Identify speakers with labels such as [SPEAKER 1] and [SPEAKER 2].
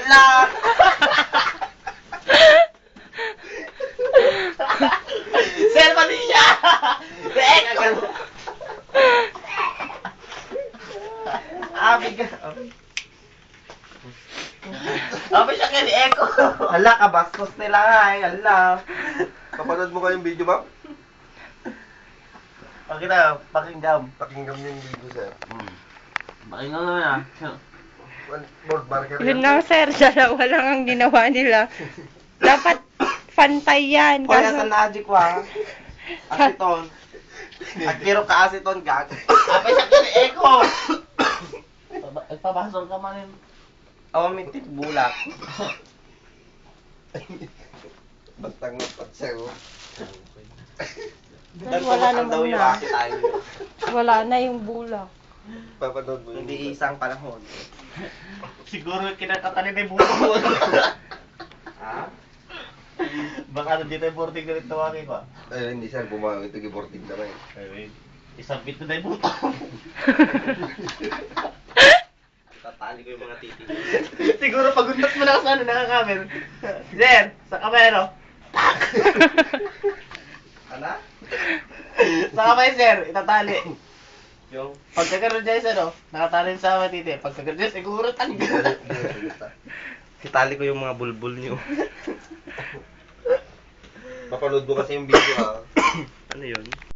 [SPEAKER 1] Ala! Sir, pati siya! Agad. Bigyan. Siya kay Eko. Ala, kabastos nila nga eh. Ala.
[SPEAKER 2] Kapanood mo kayong video, ma'am?
[SPEAKER 1] Pakinggan.
[SPEAKER 2] Pakinggan niyo yung video, sir.
[SPEAKER 1] Pakinggan mo na.
[SPEAKER 2] Board marker
[SPEAKER 3] Yun lang, sir. Dalawa lang ang ginawa nila. Dapat pantay yan.
[SPEAKER 1] Kaya sa Najik wa. Asiton. Agkiro ka asiton, gag. Siya kay Eko. Pabasol ka man yun. Mitit bulak.
[SPEAKER 2] Bantang napat sa'yo.
[SPEAKER 3] Wala naman
[SPEAKER 1] daw yung
[SPEAKER 3] na.
[SPEAKER 1] asi tayo.
[SPEAKER 3] Wala na yung bulak.
[SPEAKER 2] Papanood mo yung
[SPEAKER 1] Hindi isang panahon. Siguro kinakatanin na yung buto mo. Ha? Baka dito yung porting galit na waki pa.
[SPEAKER 2] Ay, hindi sir, bumawag ito giborting na rin.
[SPEAKER 1] Ay, isang bit na yung buto. Tatali ko yung mga titi. Siguro paguntas mo lang sa nakakamer. Sir, sa kamero. Tak! Ano? Sa kamay, sir, itatali. Yung pagkakaroon dyan, sir, nakatali sa mga titi. Pagkakaroon dyan, siguro tanggal. Itali ko yung mga bulbul niyo.
[SPEAKER 2] Papanood mo kasi yung video, ha?
[SPEAKER 1] Ano yun?